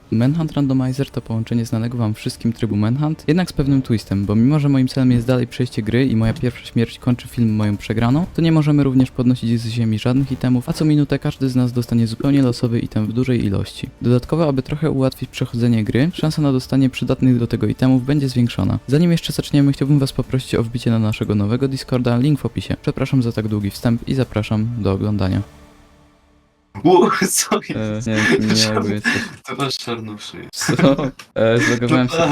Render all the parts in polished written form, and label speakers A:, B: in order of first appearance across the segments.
A: Manhunt Randomizer to połączenie znanego wam wszystkim trybu Manhunt, jednak z pewnym twistem, bo mimo że moim celem jest dalej przejście gry i moja pierwsza śmierć kończy film moją przegraną, to nie możemy również podnosić z ziemi żadnych itemów, a co minutę każdy z nas dostanie zupełnie losowy item w dużej ilości. Dodatkowo, aby trochę ułatwić przechodzenie gry, szansa na dostanie przydatnych do tego itemów będzie zwiększona. Zanim jeszcze zaczniemy, chciałbym was poprosić o wbicie na naszego nowego Discorda, link w opisie. Przepraszam za tak długi wstęp i zapraszam do oglądania.
B: Co jest?
A: Nie robię coś.
B: To masz czarną szyję.
A: Co? Zlogowałem się.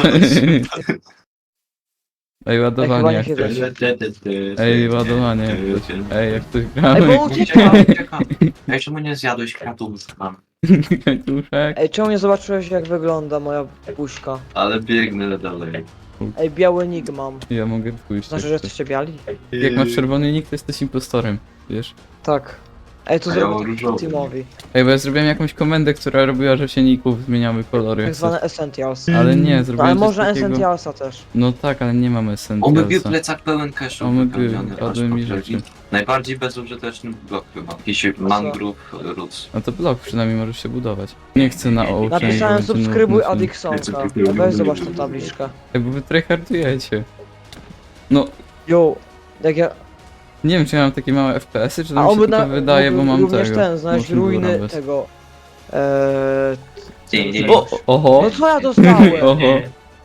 A: Ej, ładowanie jak ktoś. Ej, ładowanie jak ktoś. Ej, jak ktoś gramy.
C: Ej, bo uciekam!
B: Uciekam. Ej, czemu nie zjadłeś kwiatuszka?
A: Kwiatuszek.
C: Ej, czemu nie zobaczyłeś jak wygląda moja puszka?
B: Ale biegnę dalej.
C: Ej, biały nick mam.
A: Ja mogę pójść.
C: Znaczy, że jesteście biali?
A: Jak masz czerwony nick, to jesteś impostorem, wiesz?
C: Tak. Ej, to
B: A ja mam
C: zrobię
B: różowy.
C: Teamowi.
A: Ej, bo ja zrobiłem jakąś komendę, która robiła, że się nicków zmieniały kolory.
C: Tak zwane Essentials.
A: Ale nie,
C: No,
A: zrobiłem
C: ale
A: coś
C: można
A: takiego...
C: Essentialsa też.
A: No tak, ale nie mamy
B: Omygy,
A: Essentialsa.
B: plecak pełen cashew.
A: Omygy,
B: wypełniony aż
A: padły
B: po
A: mi
B: brzegi.
A: rzeczy.
B: Najbardziej bezużyteczny blok chyba. Jakiś mangrove roots.
A: No to blok przynajmniej możesz się budować. Nie chcę na oczy.
C: Napisałem subskrybuj Adixonka. A weź zobacz tą tabliczkę.
A: Ej, bo wy tryhardujecie. No,
C: Yo, jak ja...
A: nie wiem czy ja mam takie małe FPS-y, czy
C: A
A: to mi
C: on
A: się
C: by
A: tylko wydaje, bo mam
C: również
A: tego.
C: ten, znaleźć
A: Motion
C: ruiny
A: blura bez.
C: tego...
B: Nie.
A: Oho!
C: No co ja dostałem?
A: Oho!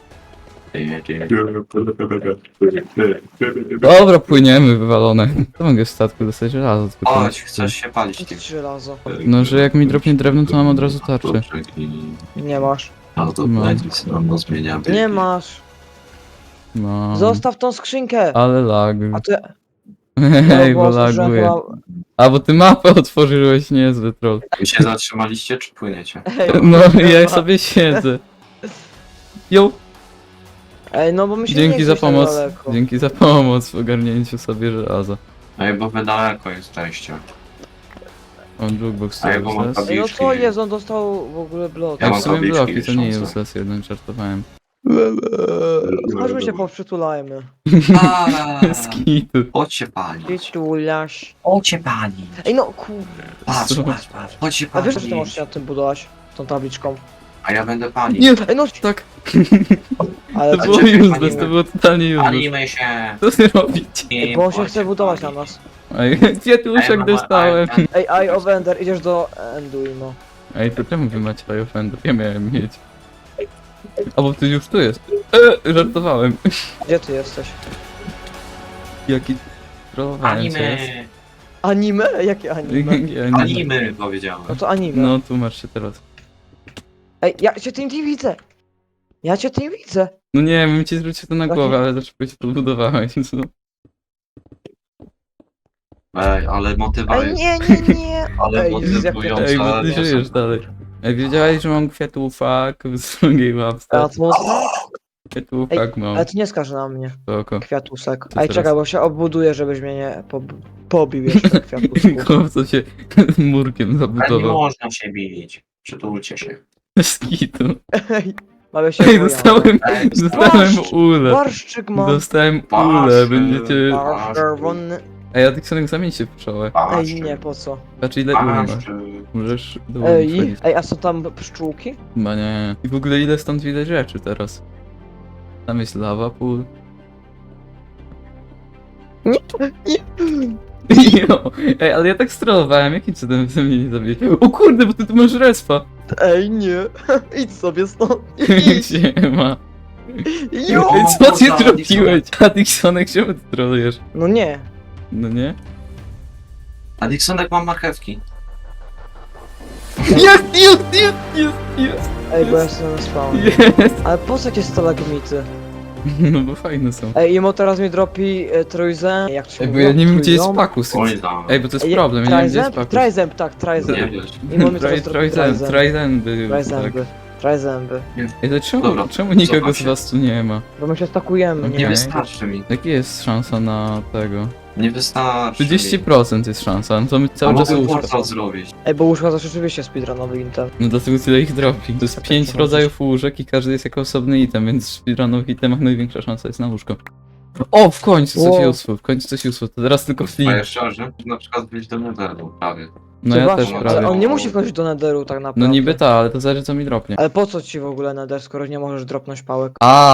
A: Dobra, płyniemy, wywalone. To mogę w statku dostać żelazo, tylko to
B: Chodź, chcesz się palić
C: Co
B: tym.
C: to żelazo?
A: No, że jak mi dropnie drewno, to mam od razu tarczę.
C: Nie masz.
B: No to
A: No.
B: no zmieniamy.
C: Nie masz.
A: No.
C: Zostaw tą skrzynkę.
A: Ale lag.
C: A ty...
A: Hej, bo
C: było że
A: laguje.
C: chyba-
A: A, bo ty mapę otworzyłeś, niezły troll.
B: Wy się zatrzymaliście, czy płyniecie?
C: Ej,
A: No, ja
C: chyba-
A: sobie siedzę. Jo,
C: Ej, no bo my się
A: dzięki
C: nie
A: za
C: chcesz tak
A: pomoc.
C: daleko.
A: Dzięki za pomoc w ogarnięciu sobie żelaza.
B: Ej, bo wy daleko jesteście.
A: Mam jukebox
B: A ja bo mam
A: useless.
C: Ej, no
B: tabliczki.
C: co jest, on dostał w ogóle blok.
B: Ja
A: A
B: mam
A: w sumie
B: tabliczki
A: bloki, to nie
B: wiszące.
A: useless jeden, żartowałem.
C: Chodźmy się poprzytulajmy.
A: Skitu.
B: Chodź się palić.
C: Przytulaś.
B: Chodź się palić.
C: Ej, no kurde.
B: Patrz,
A: Co?
B: patrz. Chodź się
C: A
B: palić.
C: wiesz, że ty możesz się nad tym budować? Tą tabliczką.
B: A ja będę palić.
A: Nie,
C: Ej, no
A: tak.
C: ale...
A: To było
B: czekaj,
A: useless,
B: palimy.
A: to było totalnie useless.
B: Palimy się.
A: Co ty robicie?
C: Ej, bo on się chce budować na nas.
A: Ej, kwiatuszek dostałem.
C: Ej, Eye of Ender, idziesz do Enduino.
A: Ej, to czemu wy macie Eye of Ender? Ja miałem mieć. A bo ty już tu jest. Żartowałem.
C: Gdzie ty jesteś?
A: Jaki trollowałem cię.
B: Palimy.
C: Anime? Jakie anime?
B: Palimy, powiedziałem.
C: No to anime.
A: No, tłumacz się teraz.
C: Ej, ja cię tym nie widzę. Ja cię tym widzę.
A: No nie wiem, ci zwrócić to na
C: Taki-
A: głowę, ale dlaczego się podbudowałeś? Co?
B: Ej, ale motywa
C: Ej,
B: jest.
C: nie.
B: Ale
C: Ej, Jezus, jak
B: motywująca.
A: Ej, bo ty
B: nie
A: żyjesz
B: są-
A: dalej. Ej, wiedziałeś, że mam kwiatufak z drugiej łapce?
C: A co?
A: Kwiatufak mam,
C: Ale ty nie skaż na mnie,
A: spoko.
C: kwiatusek.
A: Co
C: Ej,
A: teraz?
C: czekaj, bo się obbuduję, żebyś mnie nie pobił jeszcze, kwiatusku.
A: Chłopco się murkiem
B: Ale nie
A: zabudował.
B: można się bić. Przytulcie się.
A: Skitu.
C: Ej, bawię się
A: Ej,
C: w
A: dostałem
C: Barszcz!
A: ulę.
C: Barszczyk mam.
A: Dostałem ulę,
B: Barszcz.
A: będziecie...
C: Barszcz czerwony.
A: Ej, a Dixonek zamień się w pszczołę.
C: Ej, nie, po co?
A: Patrz ile uli masz. Możesz do uli wchodzić.
C: Ej, a są tam pszczółki?
A: Chyba nie. I w ogóle ile stąd widać rzeczy teraz? Tam jest lava pool. Jo. Ej, ale ja tak strollowałem, jakim cudem ze mnie nie zabijesz? O kurde, bo ty tu masz respa!
C: Ej, nie. Idź sobie stąd.
A: Gdzie ma?
C: Jo!
A: Ej, co ty
B: Boże,
A: zrobiłeś? A Dixonek, czemu ty trollujesz?
C: No nie.
A: No nie?
B: A Dixonek mam marchewki.
A: Jest!
C: Ej, bo ja jestem na spawnie.
A: Jest!
C: Ale po co jakieś stalagmity?
A: No bo fajne są.
C: Ej, Imo teraz mi dropi trójzę. Jak to się
A: Ej, bo
C: mówi?
A: ja nie wiem gdzie jest
C: Trójząb?
A: pakus.
B: Oj tam.
A: Ej, bo to jest
C: Ej,
A: problem, ja nie wiem gdzie jest
C: Trizęb?
A: pakus.
C: Trizęb, tak,
B: Nie
C: trizęb.
B: wiesz.
C: Imo mi teraz dropi trizęb.
A: Trizęby. Tak.
C: Trizęby. Trizęby.
A: Ej, to czemu,
B: Dobra,
A: czemu nikogo
B: cofam
A: z
B: się.
A: was tu nie ma?
C: Bo my się stakujemy,
B: Nie
C: nie?
B: wystarczy mi.
A: Jaka jest szansa na tego?
B: Nie wystarczy.
A: 30% jest szansa, no to my cały
B: A
A: czas
B: mogę
A: łóżko.
B: portal zrobić.
C: Ej, bo łóżko to rzeczywiście speedrunowy item.
A: No dlatego tyle ich dropi. To jest
C: Tak
A: 5
C: zobaczysz.
A: rodzajów łóżek i każdy jest jako osobny item, więc w speedrunowych itemach największa szansa jest na łóżko. O, w końcu coś
C: Wow.
A: useful, w końcu coś useful, to teraz tylko
B: A
A: flint.
B: jeszcze, że na przykład wyjść do Netheru, prawie.
A: No ja
C: Zobacz,
A: też
B: ale
A: prawie.
C: ale on nie musi wchodzić do Netheru tak naprawdę.
A: No niby ta, ale to zależy co mi dropnie.
C: Ale po co ci w ogóle Nether, skoro nie możesz dropnąć pałek?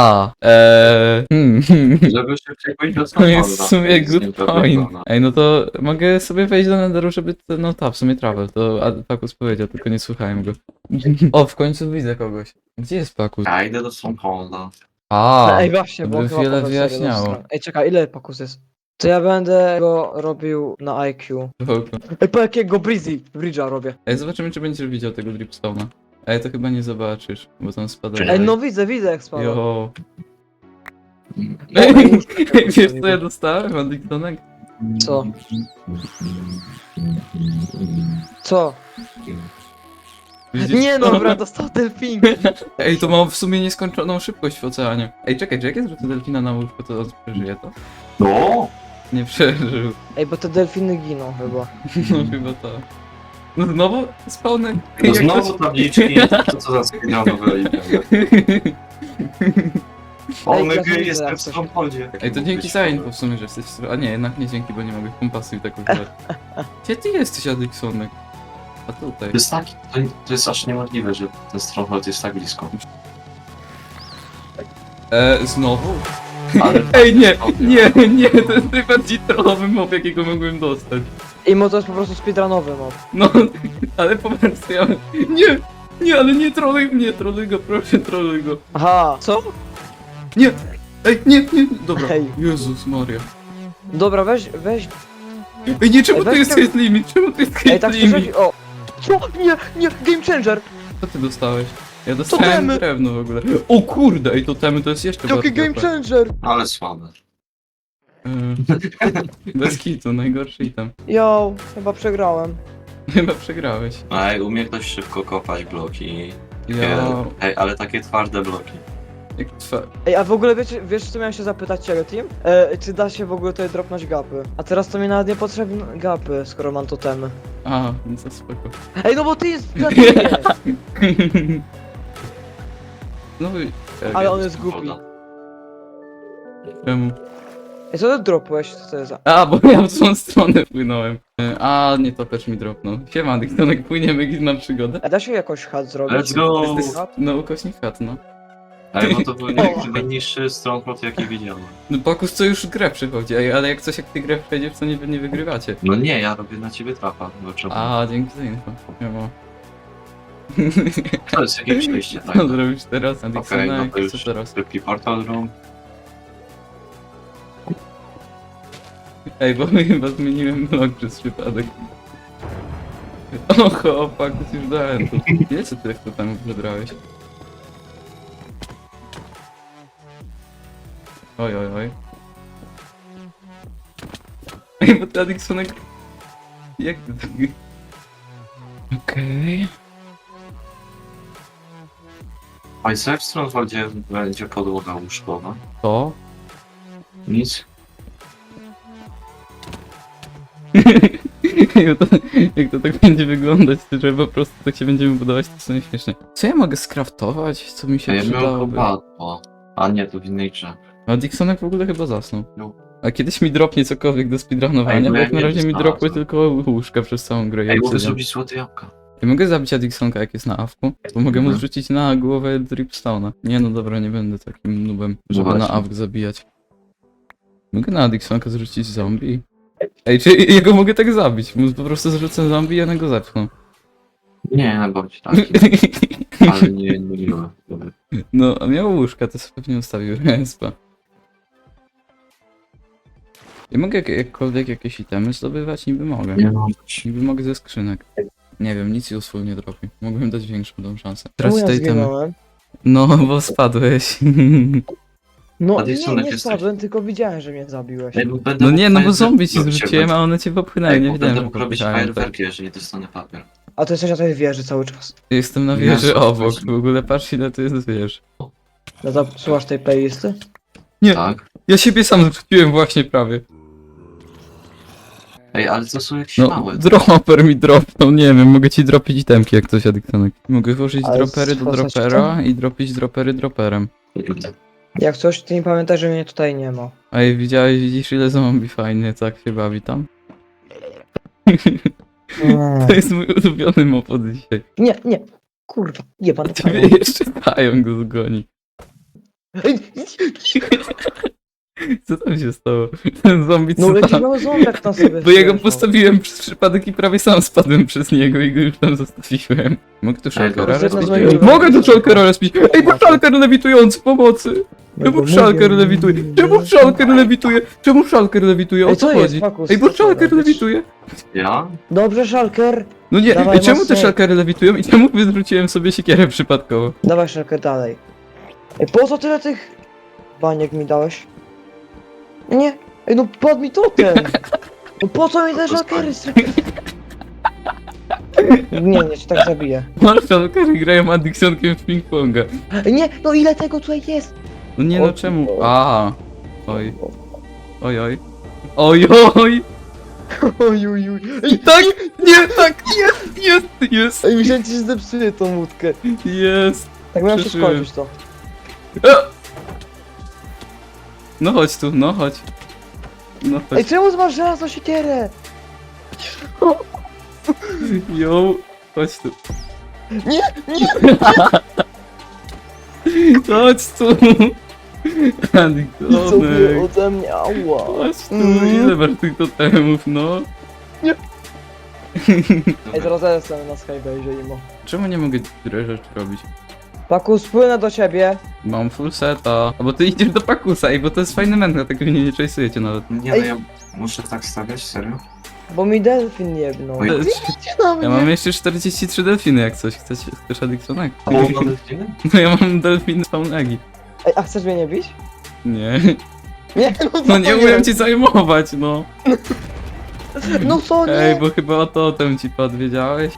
B: Żeby szybciej pójść do
A: To jest w
B: Strongholda.
A: sumie
B: Nic
A: good
B: nie
A: point.
B: wygląda.
A: Ej, no to mogę sobie wejść do Netheru, żeby... No ta, w sumie travel, to Pakus powiedział, tylko nie słuchałem go. O, w końcu widzę kogoś. Gdzie jest Pakus?
B: Ja idę do Strongholda.
A: A,
C: Ej, właśnie,
A: to
C: bo
A: by
C: on chyba
A: wiele
C: poszedł sobie do
A: wyjaśniało.
C: strony. Ej, czekaj, ile pakus jest? To ja będę go robił na IQ.
A: spoko.
C: Ej, po jakiego Bridge'a robię?
A: Ej, zobaczymy, czy będziesz widział tego Dripstone'a. Ej, to chyba nie zobaczysz, bo tam spada.
B: Czekaj.
C: Ej, no widzę jak spada.
A: Jo.
C: No,
A: Ej,
C: ej,
A: wiesz co ja dostałem, Addictonek?
C: Co? Co?
A: Widzisz
C: Nie
A: to?
C: dobra, dostał delfin.
A: Ej, to mam w sumie nieskończoną szybkość w oceanie. Ej, czekaj, czy jak ja zrzucę delfina na łóżko, to on przeżyje to?
B: No!
A: Nie przeżył.
C: Ej, bo te delfiny giną chyba.
A: No chyba to. No znowu spawny.
B: No znowu tabliczki. Co za speedrunowe itemy. O,
C: Ej,
B: my
C: ja
B: gry
C: widzę,
B: jestem
C: jak
B: w
C: coś-
B: Strongholdzie.
A: Ej, to dzięki za info w sumie, że jesteś... A nie, jednak nie dzięki, bo nie mogę kompasu i tak używać. Gdzie ty jesteś, Addictonek? A tutaj.
B: To jest taki, to jest aż niemożliwe, że ten Stronghold jest tak blisko.
A: Znowu?
B: Ale
A: Ej, nie, to jest najbardziej trollowy mob, jakiego mogłem dostać.
C: I mo to jest po prostu speedrunowy mob.
A: No, ale po prostu ja... Nie, ale nie troluj mnie, troluj go, proszę, troluj go.
C: Aha, co?
A: Nie! Ej, nie, dobra.
C: Hej.
A: Jezus Maria.
C: Dobra, weź.
A: Ej, nie, czemu
C: Ej,
A: to
C: weź
A: jest
C: tam-
A: hate limit? Czemu to jest
C: Ej,
A: hate
C: tak
A: limit?
C: szczerze, o. Co? Nie, game changer.
A: Co ty dostałeś? Ja dostałem
C: Totemy.
A: drewno w ogóle. O kurde, ej, totemy to jest jeszcze
C: Jaki
A: bardziej
C: game
A: OP.
C: changer.
B: Ale słabe.
A: Bez kitu, najgorszy item.
C: Yo, chyba przegrałem.
A: Chyba przegrałeś.
B: Ej, umie ktoś szybko kopać bloki.
A: Ja...
B: Ej, ale takie twarde bloki.
A: Jak twa...
C: Ej, a w ogóle wiesz co miałem się zapytać ciebie, Team? Czy da się w ogóle tutaj dropnąć gapy? A teraz to mi nawet nie potrzebne gapy, skoro mam totemy.
A: A, no to spoko.
C: Ej, no bo ty jest platynie.
A: No i...
C: Ale on jest głupi.
A: Czemu?
C: Ej, co ty dropłeś? Co to jest za...
A: A, bo ja w złą stronę płynąłem. A, nie, to też mi dropnął. Siema, Dyktonek, płyniemy na przygodę.
C: A da się jakoś hat zrobić?
B: Let's go!
A: To jest no, ukośnik hat, no.
B: Ej, bo to był najniższy Stronghold jaki widziałem.
A: No Pakus co już grę przychodzi, ej, ale jak coś jak ty grę przejdziesz, to nie wygrywacie.
B: No nie, ja robię na ciebie trapa. No czemu?
A: A, dzięki za info. Siema.
B: To jest jakieś przejście, tak?
A: Co zrobisz teraz?
B: Okej, no
A: Dyktonek,
B: to już
A: co teraz?
B: szybki portal room.
A: Ej, bo chyba zmieniłem blok przez przypadek. Oho, Pakus już dałem tu. Ile co ty tam wybrałeś? Oj. Ej, bo ten Dyktonek... Jak ty tak... Okej...
B: A i sobie w Strongholdzie będzie podłoga łóżkowa.
A: To?
B: Nic.
A: Jak to tak będzie wyglądać, to że po prostu tak się będziemy budować, to są śmieszne. Co ja mogę skraftować? Co mi się
B: Ja miałem
A: przydałoby?
B: opadło. A nie, to w innej grze.
A: A Dixonek w ogóle chyba zasnął.
B: No.
A: A kiedyś mi dropnie cokolwiek do
B: Ej,
A: speedrunowania,
B: bo
A: bo
B: ja
A: jak na
B: nie
A: razie mi
B: znalazłem.
A: dropły tylko łóżka przez całą grę.
B: Ej,
A: i
B: mogę
A: obsydian.
B: zrobić złote jabłka.
A: Ja mogę zabić Addixonka jak jest na awku, bo mogę mu
B: Mhm.
A: zrzucić na głowę Dripstone'a. Nie no dobra, nie będę takim nubem, żeby na
B: właśnie.
A: awk zabijać. Mogę na Addixonka zrzucić zombie? Ej, czy jego mogę tak zabić? Mu po prostu zrzucę zombie i ja na go zepchnę.
B: Nie, bądź tak. Ale nie miło.
A: No, a miał łóżka, to sobie pewnie ustawił respa. Ja mogę jakkolwiek jakieś itemy zdobywać? Niby mogę.
B: Nie mam.
A: Niby mogę ze skrzynek. Nie wiem, nic useful nie dropi. Mogłem dać większą tą szansę.
C: Czemu
A: Teraz
C: ja
A: te itemy.
C: zginąłem?
A: No, bo spadłeś.
C: No
B: A ty
C: nie,
B: Sunek
C: nie
B: jesteś.
C: spadłem, tylko widziałem, że mnie zabiłeś.
B: Ej, bo będę
A: No
B: mógł
A: nie, no bo
B: fajerwerki
A: zombie ci
B: robić,
A: zrzuciłem, a one cię popchnęły,
B: Ej,
A: nie
B: bo
A: wiedziałem,
B: będę
A: że
B: mógł robić
A: popychałem.
B: fajerwerki, jeżeli dostanę papier.
C: A ty jesteś na tej wieży cały czas.
A: Jestem na
B: Ja
A: wieży
B: sobie
A: obok,
B: wezmę.
A: w ogóle patrz ile to jest wież.
C: No to słuchasz tej playlisty?
A: Nie,
B: Tak?
A: ja siebie sam zrzuciłem właśnie prawie.
B: Ej, ale to są jakieś
A: No,
B: małe.
A: dropper mi dropnął, nie wiem, mogę ci dropić itemki jak coś adyktonek. Mogę włożyć
C: Ale
A: dropery do
C: stworzyć
A: dropera i dropić dropery droperem.
C: Jak coś, ty nie pamiętaj, że mnie tutaj nie ma.
A: Ej, widziałeś, widzisz ile zombie fajnie tak się bawi tam? To jest mój ulubiony mopod dzisiaj.
C: Nie, nie. Kurwa, jebany
A: Ciebie
C: pająk.
A: jeszcze pająk go zgoni.
C: Ej,
A: Co tam się stało? Ten zombie
C: no
A: co
C: jakiś
A: tam?
C: mały ząbek na sobie
A: Bo ja go
C: zjeżdżał.
A: postawiłem przez przypadek i prawie sam spadłem przez niego i go już tam zostawiłem. Mogę tu szalkera
B: to jest
C: jedna z
A: rozbić?
C: moich
A: Mogę tu
C: ulubionych
A: szalkera rozbić! Ej, bo szalker lewitujący, pomocy! Czemu szalker lewituje? Czemu szalker lewituje? Czemu szalker lewituje? O
C: Ej,
A: co
C: co jest,
A: chodzi?
C: Fakus?
A: Ej, bo
C: Co ty
A: szalker
C: robisz?
A: lewituje!
B: Ja?
C: Dobrze, Szalker.
A: No nie,
C: Dawaj,
A: ej, czemu te
C: mocniej.
A: szalkery lewitują i czemu wywróciłem sobie siekierę przypadkowo?
C: Dawaj, Szalker, dalej. Ej, po co tyle tych baniek mi dałeś? Nie. Ej, no padł mi totem. No po co mi te Szalkery? Nie, nie, cię tak zabiję.
A: Masz szalkery grają Addictionkiem w ping-ponga.
C: Ej, nie, no ile tego tutaj jest?
A: No nie
C: O,
A: no czemu?
C: o.
A: A, oj, oj, oj. Oj, oj!
C: Oj, oj, oj. Ej,
A: Tak! Nie, tak! Jest!
C: ej, myślałem, że ci zepsuję tą łódkę.
A: Jest!
C: Tak miałem się
A: Przeżyłem.
C: skończyć to.
A: E! No chodź tu, no chodź. No
C: Ej,
A: chodź.
C: czemu masz żelazną siekierę?
A: Yo, chodź tu.
C: Nie, nie.
A: Chodź tu!
C: I sobie
A: Addictonek.
C: ode mnie, ała.
A: Chodź tu, ile masz tych totemów, no?
C: Ej, zaraz jestem na Skybase, imo.
A: Czemu nie mogę tyle rzeczy robić?
C: Paku, spłynę do ciebie.
A: Mam full seta. A bo ty idziesz do Pakusa i bo to jest fajny męt, tak mnie nie chase'ujecie nawet.
B: Nie no,
C: Ej.
B: ja muszę tak stawiać, serio?
C: Bo mi delfin jebnął.
B: Oj.
C: Idźcie na mnie.
A: Ja mam jeszcze 43 delfiny jak coś. Chcesz Addictonek?
B: A mam na delfiny?
A: No ja mam delfiny spawn eggi.
C: Ej, a chcesz mnie nie bić?
A: Nie.
C: Nie, no co
A: No nie
C: to
A: umiem
C: jest?
A: ci zajmować, no.
C: No co, nie?
A: Ej, bo chyba o totem ci podwiedziałeś.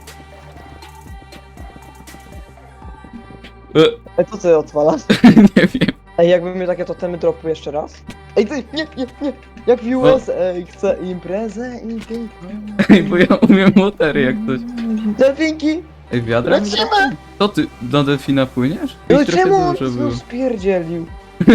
C: Ej, co ty odwalasz?
A: Nie wiem.
C: Ej, jakby mnie takie totemy dropły jeszcze raz? Ej, ty, nie, nie, nie. Jak w US, ej, chcę imprezę i piękną.
A: Ej, bo ja umiem motery jak coś.
C: Delfinki!
A: Ej, wiadra?
C: Lecimy!
A: To ty na delfina płyniesz?
C: No
A: Ich trochę
C: czemu on
A: dużo było.
C: znów spierdzielił?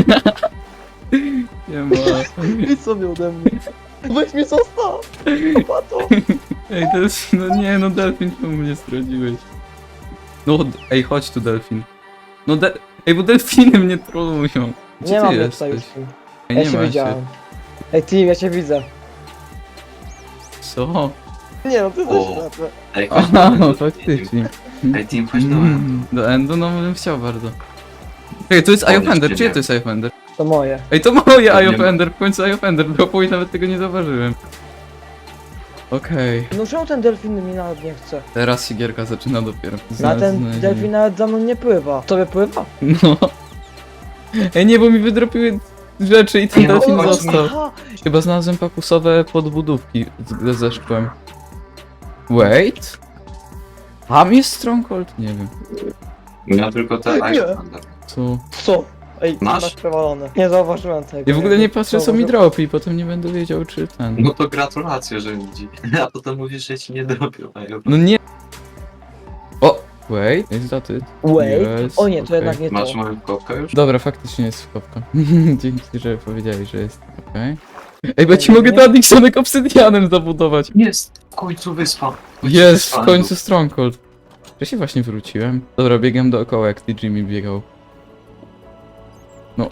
A: Nie ma.
C: Idź sobie ode mnie. Weź mnie zostaw! Pato!
A: Ej, delfin, no nie, no delfin, czemu mnie zdradziłeś? No, ej, chodź tu delfin. No ej, bo delfiny mnie trolują. Gdzie
C: Nie
A: ty
C: mam mnie
A: jesteś?
C: tutaj już.
A: Ej,
C: Ja
A: nie
C: cię
A: ma
C: widziałem. Ej, team, ja cię widzę.
A: Co?
C: Nie no, ty
B: O.
C: też lepę.
B: Ej, chodź
A: Aha,
B: do
A: no
B: Endu.
A: faktycznie.
B: Ej, team, chodź do Endu.
A: Do Endu, no bym chciał bardzo. Ej, to jest
B: O,
A: Eye of Ender,
B: jeszcze
A: czyje
B: nie.
A: to jest Eye of Ender?
C: To moje.
A: Ej, to moje Eye
B: Nie
A: of
B: ma.
A: Ender, w końcu Eye of Ender dropu i nawet tego nie zauważyłem. Okej,
C: No czemu ten delfin mi nawet nie chce?
A: teraz się gierka zaczyna dopiero.
C: Na ten
A: Znaleźć-
C: delfin nawet za mną nie pływa. Tobie pływa?
A: No. Ej, nie, bo mi wydropiły rzeczy i ten
B: Nie, no,
A: delfin
B: chodź.
A: został.
C: Aha!
A: Chyba znalazłem pakusowe podbudówki ze szkłem. Wait? Tam jest Stronghold? Nie wiem.
B: Ja tylko te
C: Nie.
B: iPhone.
A: Co?
C: Co? Ej,
B: Masz?
C: masz przewalone. Nie zauważyłem tego.
A: Ja w ogóle nie patrzę co mi
C: Zauważyłem.
A: dropi i potem nie będę wiedział czy ten.
B: No to gratulacje, że widzi. A potem mówisz, że ci nie drobią.
A: No nie. O! Wait, jest that it?
C: Wait.
A: Yes,
C: O nie, to
A: okej.
C: jednak nie to.
B: Masz moją kopkę już?
A: Dobra, faktycznie jest wkopka. Dzięki, że powiedziałeś, że jest. Okej. Ej, bo ja ci mogę to Addictionek obsydianem zabudować.
B: Jest! W końcu wyspa.
A: Jest, w końcu Stronghold. Ja się właśnie wróciłem. Dobra, biegam dookoła jak ty Jimmy biegał. No.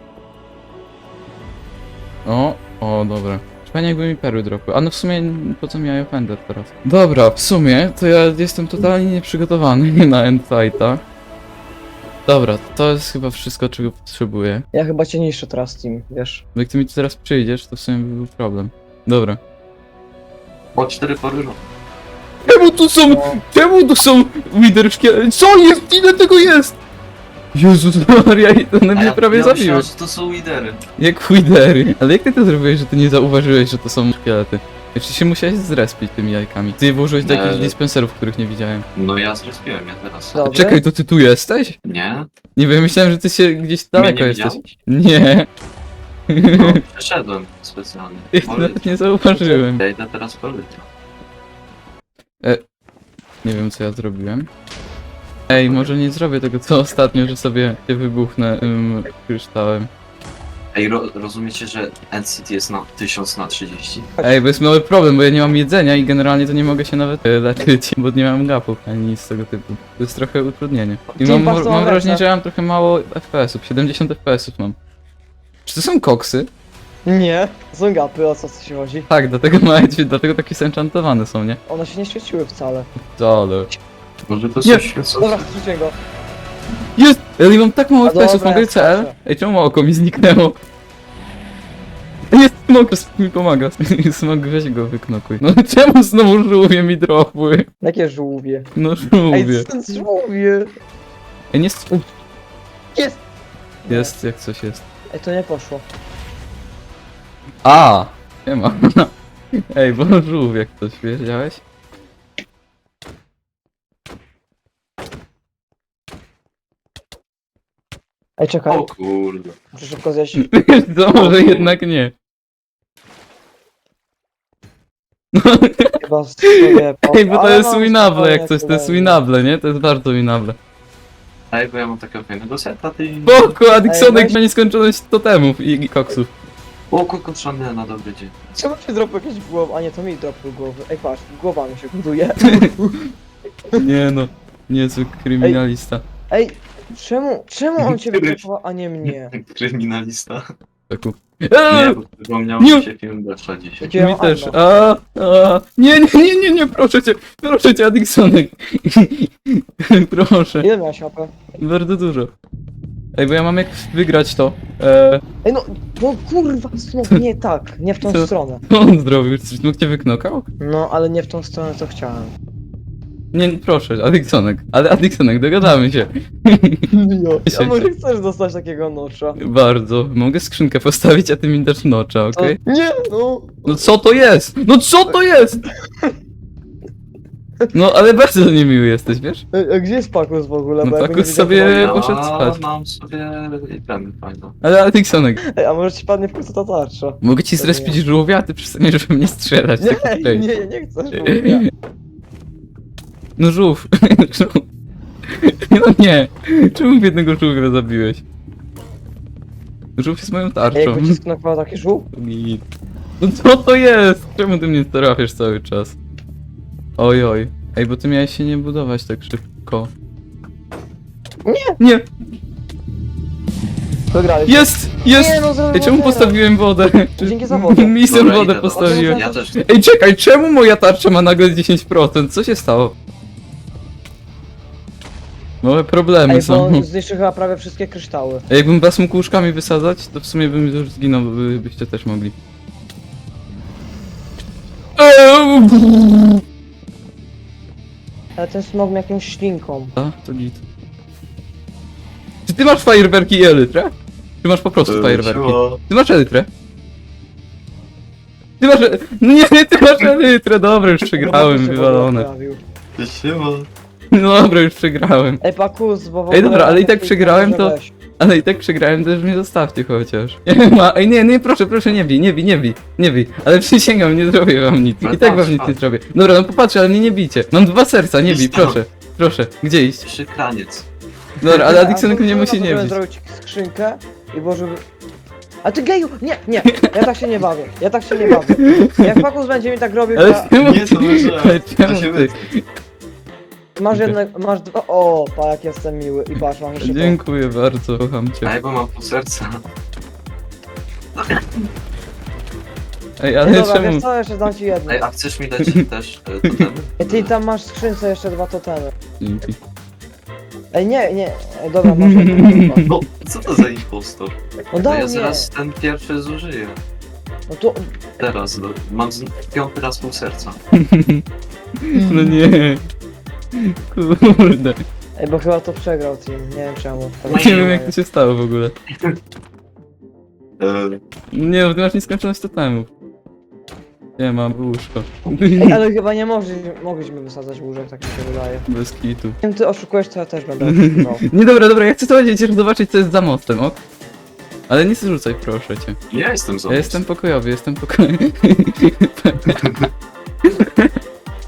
A: O, dobra. Fajnie jakby mi perły dropły. A no w sumie po co mi Eye of Ender teraz? Dobra, w sumie to ja jestem totalnie nieprzygotowany na endfighta. Dobra, to jest chyba wszystko czego potrzebuję.
C: Ja chyba cię niszczę teraz, team, wiesz.
A: Bo jak ty mi tu teraz przyjdziesz, to w sumie by był problem. Dobra.
B: Po 4 pory roku.
A: Czemu tu są...
C: No.
A: Czemu tu są Wither szkielety? Co jest? Ile tego jest? Jezus Maria, one mnie prawie zabiły.
B: Myślałem, że to są lidery.
A: Jak widery. Ale jak ty to zrobiłeś, że ty nie zauważyłeś, że to są szkielety? Jeszcze się musiałeś zrespić tymi jajkami. Ty je włożyłeś do
B: Nie.
A: jakichś dispenserów, których nie widziałem.
B: No ja zrespiłem, ja teraz.
C: Dobrze.
A: Czekaj, to ty tu jesteś?
B: Nie?
A: Nie wiem, myślałem, że ty się gdzieś
B: Mnie
A: daleko
B: nie
A: jesteś.
B: widziałeś?
A: Nie.
B: No, przeszedłem specjalnie.
A: Ja nawet nie zauważyłem.
B: Ja idę teraz po lytra.
A: Nie wiem, co ja zrobiłem. Ej, może nie zrobię tego co ostatnio, że sobie się wybuchnę kryształem.
B: Ej, rozumiecie, że NCT jest na 1000 na 30?
A: Ej, bo jest mały problem, bo ja nie mam jedzenia i generalnie to nie mogę się nawet leczyć, bo nie mam gapów ani nic z tego typu. To jest trochę utrudnienie. I
C: Ty
A: mam,
C: bardzo
A: mam
C: lepsze.
A: wrażenie, że mam trochę mało FPS-ów, 70 FPS-ów mam. Czy to są koksy?
C: Nie, są gapy, o co ci chodzi?
A: Tak, dlatego takie zenchantowane są, nie?
C: One się nie świeciły wcale.
A: Ale...
B: Może to
A: Nie.
B: coś świecące?
C: Dobra, rzuciłem go.
A: Jest! Ja mam tak mało
C: A
A: FPS-ów,
C: dobra,
A: mogę
C: ja
A: CL?
C: skoczę.
A: Ej, czemu oko mi zniknęło? Jest smok, mi pomaga. Smok, weź go wyknokuj. No czemu znowu żółwie mi dropły?
C: Jakie żółwie?
A: No
C: Ej,
A: żółwie.
C: co to żółwie?
A: Ej, nie...
C: Jest!
A: Jest, jak coś jest.
C: Ej, to nie poszło.
A: A, nie ma. Ej, bo żółw jak coś, wiedziałeś?
C: Ej, czekaj,
B: O kurde.
C: muszę szybko zjeść.
A: To może jednak nie.
C: Chyba sobie
A: Ej, bo to
C: ale
A: jest
C: mam
A: winable, jak
C: spokojnie,
A: coś, to jest
C: spokojnie.
A: winable, nie? To jest bardzo winable.
B: Ej, bo ja mam takiego fajnego seta, ty...
A: Boku, Adixonek
C: weź-
A: ma nieskończoność totemów i koksów.
B: O, kokotrzane na dobry dzień.
C: Czemu się dropł jakieś głowy? A nie, to mi dropł głowy. Ej, patrz, głowa mi się buduje.
A: Nie no, niezły kryminalista.
C: Ej, czemu on cię wykopał, a nie mnie?
B: Kryminalista.
A: Taku.
B: Nie, bo przypomniał
A: Nie.
B: mi się film Desza dzisiaj.
C: Jakie-
A: Mi też. Nie, proszę cię, Adixonek. Proszę,
C: Ile miałeś HP?
A: bardzo dużo. Ej, bo ja mam jak wygrać to.
C: Ej, no kurwa, znów nie tak, nie w tą
A: Co?
C: stronę.
A: Co on zrobił? Czy mógł cię wyknokał?
C: No, ale nie w tą stronę, co chciałem.
A: Nie, proszę, Adixonek. Ale Adixonek, dogadamy się.
C: A może chcesz dostać takiego nocza?
A: Bardzo. Mogę skrzynkę postawić, a ty mi dasz nocza,
C: Co?
A: okej?
C: Nie, no.
A: No co to jest? No co to jest? No ale bardzo niemiły jesteś, wiesz?
C: A gdzie jest Pakus w ogóle?
A: No
C: Bo ja go
A: Pakus
C: nie
A: sobie-
C: widziałem.
A: poszedł spać.
B: Mam sobie item fajną.
A: Ale Adixonek,
C: Ej, a może ci padnie w końcu ta tarcza?
A: mogę ci
C: To
A: zrespić
C: nie.
A: żółwia, a ty przestaniesz we mnie strzelać.
C: Nie,
A: tak
C: nie,
A: okej.
C: nie chcę żółwia.
A: No żółw. Żółw. No nie. Czemu jednego żółwia zabiłeś? Żółw jest moją
C: Ej,
A: tarczą.
C: jakby ci sknokwał taki żółw?
A: Git. No co to jest? Czemu ty mnie trafiasz cały czas? Oj, oj. Ej, bo ty miałeś się nie budować tak szybko. Nie! Nie!
C: Wygraliśmy.
A: Jest! Jest!
C: Nie, no, zrobiłem
A: Ej, czemu
C: teraz.
A: postawiłem wodę?
C: Dzięki za wodę.
A: Misem
B: Dobra,
A: wodę
B: idę do-
A: postawiłem.
B: Ja też.
A: Ej, czekaj, czemu moja tarcza ma nagle 10%? Co się stało? Małe problemy
C: Ej, bo
A: są.
C: on zniszczył chyba prawie wszystkie kryształy.
A: A jakbym was mógł łóżkami wysadzać, to w sumie bym już zginął, byście też mogli.
C: Ale ten smog miał jakąś ślinką.
A: A, to git. Czy ty masz fajerwerki i elytrę? Czy masz po prostu fajerwerki? Ty masz elytrę? Ty masz... Nie, ty masz elytrę, dobra, już przegrałem,
C: Się w ogóle
A: wywalone.
C: pojawił.
B: Siema.
A: No dobra, już przegrałem.
C: Ej, Pakus, bo w
A: Ej,
C: ogóle...
A: dobra, ale i tak
C: ty-
A: przegrałem, to-
C: weź.
A: Ale i tak przegrałem, to już mnie zostawcie chociaż. Nie ma, ej nie, proszę, nie bij. Ale przysięgam, nie zrobię wam nic.
B: No
A: I tak wam
B: patrz,
A: nic nie
B: patrz.
A: zrobię. Dobra, no popatrzcie, ale mnie nie bijcie. Mam 2 serca, nie bij,
B: Jest tam.
A: proszę. Gdzie iść?
B: Jeszcze kraniec.
A: Dobra, ale
C: A
A: Adixonek
C: co-
A: mnie
C: co
A: musi
C: na to,
A: nie
C: żeby
A: bić.
C: zrobić skrzynkę i było, żeby... A ty geju! Nie! Ja tak się nie bawię. Jak Pakus będzie mi tak robił,
A: Ale
C: to
A: czemu
B: Nie, to
A: ty?
B: może-
A: Ale
B: to
A: czemu
B: się
A: ty?
C: masz jednego, masz dwa... O, pa, jak jestem miły. I patrz, mam jeszcze to.
A: Dziękuję bardzo, kocham cię.
B: Ej, bo mam pół serca.
A: Ej,
C: Ej,
A: ale
C: dobra,
A: czemu?
C: wiesz co, jeszcze dam ci jedno.
B: Ej, a chcesz mi dać też totem?
C: Ej, ty tam masz w skrzynce jeszcze 2 totemy.
A: Dzięki.
C: Ej, nie. Ej, dobra, masz jedno.
B: No, co to za impostor?
C: No
B: No
C: daj
B: ja
C: mnie.
B: zaraz ten pierwszy zużyję.
C: No to...
B: Teraz, mam 5. raz pół serca.
A: No nie. Kurde.
C: Ej, bo chyba to przegrał team, nie wiem czemu.
B: No
A: Nie wiem jak to się stało w ogóle.
B: Eee,
A: Nie, bo ty masz nieskończoność totemów. Nie mam łóżko.
C: Ej, ale chyba nie mogliśmy wysadzać łóżek, tak mi się wydaje.
A: Bez kitu.
C: Wiem, ty oszukujesz, to ja też będę oszukiwał.
A: Nie, dobra, ja chcę to wiedzieć, zobaczyć co jest za mostem, ok? Ale nie zrzucaj, proszę cię.
B: ja jestem za.
A: Ja jestem pokojowy,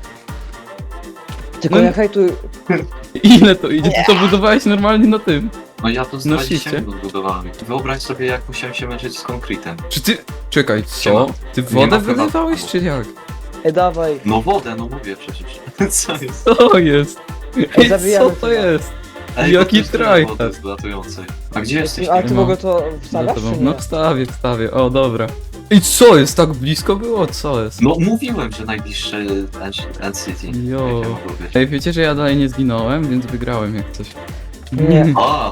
C: Tylko
A: No.
C: ja hejtuj...
A: Ile to idzie? Ty to budowałeś normalnie na tym.
B: No ja to z 20
A: shifcie?
B: minut budowałem. Wyobraź sobie, jak musiałem się męczyć z konkretem.
A: Czy ty... Czekaj,
B: Siema.
A: co? Ty
B: Nie
A: wodę
B: ma chyba-
A: wylewałeś, czy jak?
C: Dawaj.
B: No wodę, no mówię przecież. Co jest?
A: Co jest?
C: Ej, zabijamy
A: Co to
C: chyba.
A: jest?
B: Ej,
A: Jaki
B: to jest tyle
A: tryhard.
B: wody zlatującej. A gdzie jesteś?
C: A ty
A: No.
C: mogę to
A: Za
C: wstawiać,
A: tobą.
C: czy nie?
A: No wstawię. O, dobra. I co jest? Tak blisko było? Co jest?
B: No mówiłem, że najbliższe NCT.
A: Jo.
B: Jakie mogło być?
A: Ej, wiecie, że ja dalej nie zginąłem, więc wygrałem jak coś.
C: Nie.
B: A,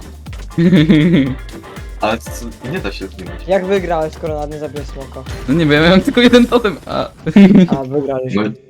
B: ale nie da się zginąć.
C: Jak wygrałeś, skoro nawet nie zabiłeś smoka?
A: No nie wiem, ja miałem tylko jeden totem, a...
C: A, wygraliśmy.
B: No,